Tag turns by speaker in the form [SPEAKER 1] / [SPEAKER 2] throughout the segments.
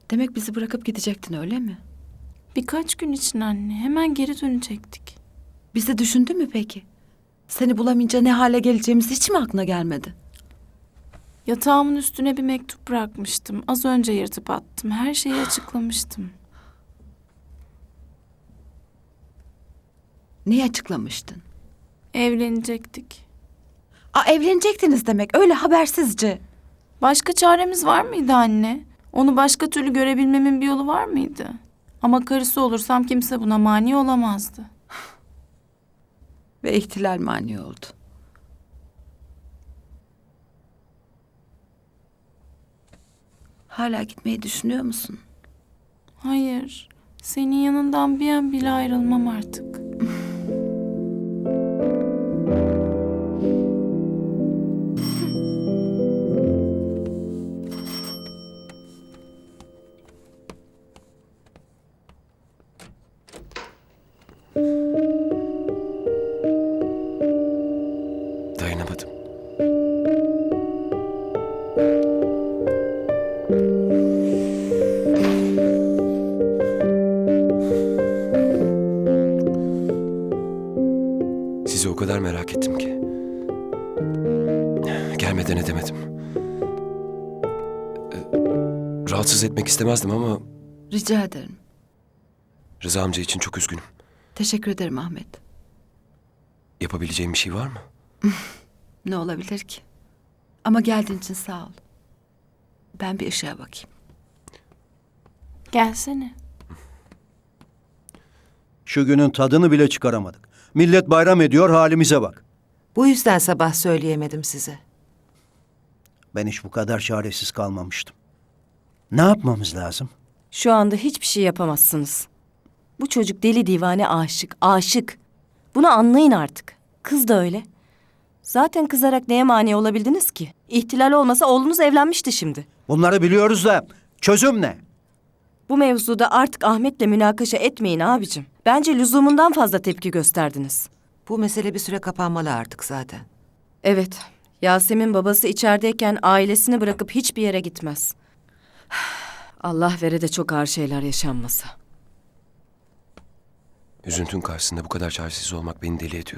[SPEAKER 1] Demek bizi bırakıp gidecektin öyle mi?
[SPEAKER 2] Birkaç gün için anne. Hemen geri dönecektik.
[SPEAKER 1] Bizi düşündün mü peki? Seni bulamayınca ne hale geleceğimiz hiç mi aklına gelmedi?
[SPEAKER 2] Yatağımın üstüne bir mektup bırakmıştım. Az önce yırtıp attım. Her şeyi açıklamıştım.
[SPEAKER 1] Neyi açıklamıştın?
[SPEAKER 2] Evlenecektik.
[SPEAKER 1] Evlenecektiniz demek öyle habersizce.
[SPEAKER 2] Başka çaremiz var mıydı anne? Onu başka türlü görebilmemin bir yolu var mıydı? Ama karısı olursam kimse buna mani olamazdı.
[SPEAKER 1] Ve ihtilal mani oldu. Hala gitmeyi düşünüyor musun?
[SPEAKER 2] Hayır, senin yanından bir an bile ayrılmam artık.
[SPEAKER 3] Dayanamadım. Sizi o kadar merak ettim ki. Gelmeden edemedim. Rahatsız etmek istemezdim ama
[SPEAKER 1] Rica ederim.
[SPEAKER 3] Rıza amca için çok üzgünüm.
[SPEAKER 1] Teşekkür ederim Ahmet.
[SPEAKER 3] Yapabileceğim bir şey var mı?
[SPEAKER 1] Ne olabilir ki? Ama geldiğin için sağ ol. Ben bir ışığa bakayım.
[SPEAKER 2] Gelsene.
[SPEAKER 4] Şu günün tadını bile çıkaramadık. Millet bayram ediyor, halimize bak.
[SPEAKER 5] Bu yüzden sabah söyleyemedim size.
[SPEAKER 4] Ben hiç bu kadar çaresiz kalmamıştım. Ne yapmamız lazım?
[SPEAKER 6] Şu anda hiçbir şey yapamazsınız. Bu çocuk deli divane aşık, aşık. Bunu anlayın artık. Kız da öyle. Zaten kızarak neye mani olabildiniz ki? İhtilal olmasa oğlunuz evlenmişti şimdi.
[SPEAKER 4] Bunları biliyoruz da çözüm ne?
[SPEAKER 6] Bu mevzuda artık Ahmet'le münakaşa etmeyin abicim. Bence lüzumundan fazla tepki gösterdiniz.
[SPEAKER 5] Bu mesele bir süre kapanmalı artık zaten.
[SPEAKER 6] Evet, Yasemin babası içerideyken ailesini bırakıp hiçbir yere gitmez. Allah vere de çok ağır şeyler yaşanmasa.
[SPEAKER 3] Üzüntün karşısında bu kadar çaresiz olmak beni deli ediyor.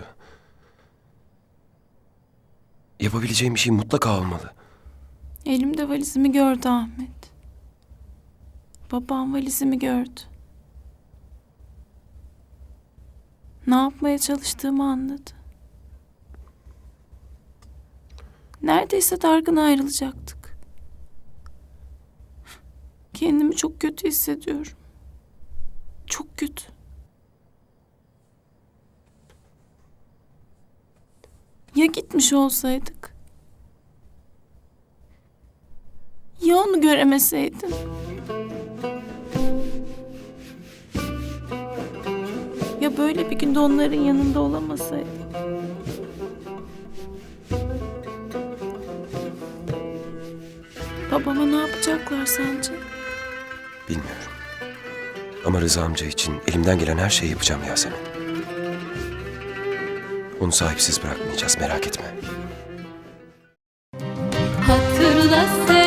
[SPEAKER 3] Yapabileceğim bir şey mutlaka olmalı.
[SPEAKER 2] Elimde valizimi gördü Ahmet. Babam valizimi gördü. Ne yapmaya çalıştığımı anladı. Neredeyse dargın ayrılacaktık. Kendimi çok kötü hissediyorum. Çok kötü. Ya gitmiş olsaydık? Ya onu göremeseydim? Ya böyle bir günde onların yanında olamasaydım? Babama ne yapacaklar sence?
[SPEAKER 3] Bilmiyorum. Ama Rıza amca için elimden gelen her şeyi yapacağım Yasemin. Onu sahipsiz bırakmayacağız, merak etme.
[SPEAKER 7] Hatırla sen